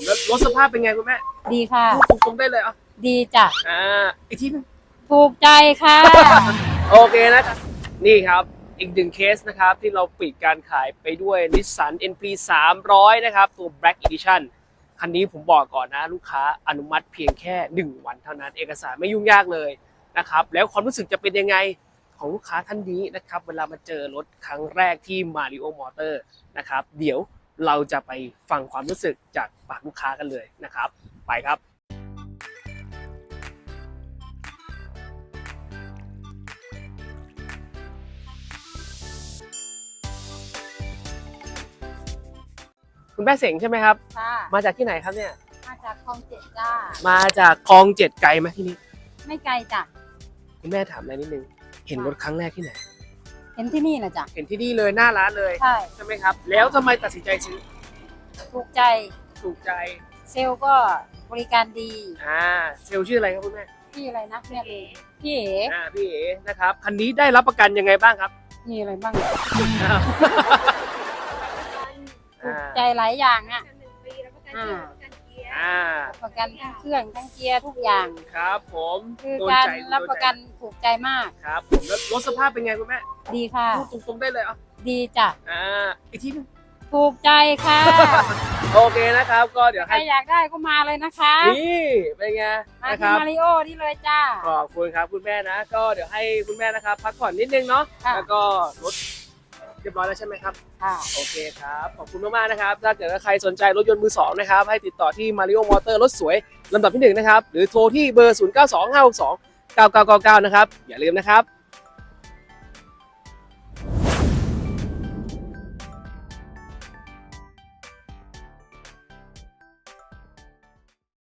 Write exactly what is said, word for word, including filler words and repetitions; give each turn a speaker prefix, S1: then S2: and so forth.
S1: แล้วรถสภาพเป็นไงคุณแม่
S2: ดีค่ะ
S1: พูดตรงๆได้เลยอ่ะ
S2: ดีจ้ะ
S1: อ่าอีกทีนึง
S2: ถูกใจค่ะ
S1: โอเคนะครับนี่ครับอีกหนึ่งเคสนะครับที่เราปิดการขายไปด้วย Nissan เอ็น พี สามร้อยนะครับตัว Black Edition คันนี้ผมบอกก่อนนะลูกค้าอนุมัติเพียงแค่หนึ่งวันเท่านั้นเอกสารไม่ยุ่งยากเลยนะครับแล้วความรู้สึกจะเป็นยังไงของลูกค้าท่านนี้นะครับเวลามาเจอรถครั้งแรกที่ Mario Motor นะครับเดี๋ยวเราจะไปฟังความรู้สึกจากปากลูกค้ากันเลยนะครับไปครับคุณแม่เสงใช่ไหมครับ
S2: ค่ะ
S1: มาจากที่ไหนครับเนี่ย
S2: มาจากคลองเจ็ดจ้า
S1: มาจากคลองเจ็ดไกลไหมที่นี่
S2: ไม่ไกลจ้ะ
S1: คุณแม่ถามอะไรนิดนึงเห็นรถครั้งแรกที่ไหน
S2: เห็นที่นี่แหละจ้ะ
S1: เห็นที่นี่เลยหน้าร้านเลย
S2: ใช่
S1: ใช่ไหมครับแล้วทำไมตัดสินใจซื้อ
S2: ถูกใจ
S1: ถูกใจ
S2: เซลล์ก็บริการดี
S1: อ่าเซลล์ชื่ออะไรครับคุณแม่
S2: พี่อะไรนะพี่เอ๋พี่เอ๋
S1: อ่าพี่เอ๋นะครับคันนี้ได้รับประกันยังไงบ้างครับ
S2: มีอะไรบ้าง
S1: อ้าว
S2: ถูกใจหลายอย่างอ่ะอ่า
S1: อ่า
S2: ประกันทั้งเครื่องทั้งเกียร์ทุกอย่าง
S1: ครับผม
S2: คือ
S1: โดน
S2: การ
S1: ใจ
S2: รับประกัน
S1: โดใจ
S2: ถูกใจมาก
S1: ครับผมแล้วรถสภาพเป็นไงคุณแม่
S2: ดีค่ะ
S1: พูดตรงๆได้เลยอ่ะ
S2: ดีจ้ะ
S1: อ่าอีกทีนึง
S2: ถูกใจค่ะ
S1: โอเคนะครับก็เดี๋ยว
S2: ใคร
S1: ให้
S2: อยากได้ก็มาเลยนะคะ
S1: นี่เป็นไง
S2: มา
S1: นะค
S2: ที่
S1: รับ
S2: มาริโอนี่เลยจ้า
S1: ขอบคุณครับคุณแม่นะก็เดี๋ยวให้คุณแม่นะครับพักผ่อนนิดนึงเนาะ
S2: ค่ะ
S1: แล้วก็รถเรียบร้อยแล้วใช่ไหมครับ
S2: ค่ะ
S1: โอเคครับขอบคุณมากๆนะครับถ้าเกิดว่าใครสนใจรถยนต์มือสองนะครับให้ติดต่อที่ Mario Motor รถสวยลำดับที่หนึ่งนะครับหรือโทรที่เบอร์ ศูนย์ เก้า สอง ห้า หก สอง เก้า เก้า เก้า เก้า นะครับอย่าลืมนะครับ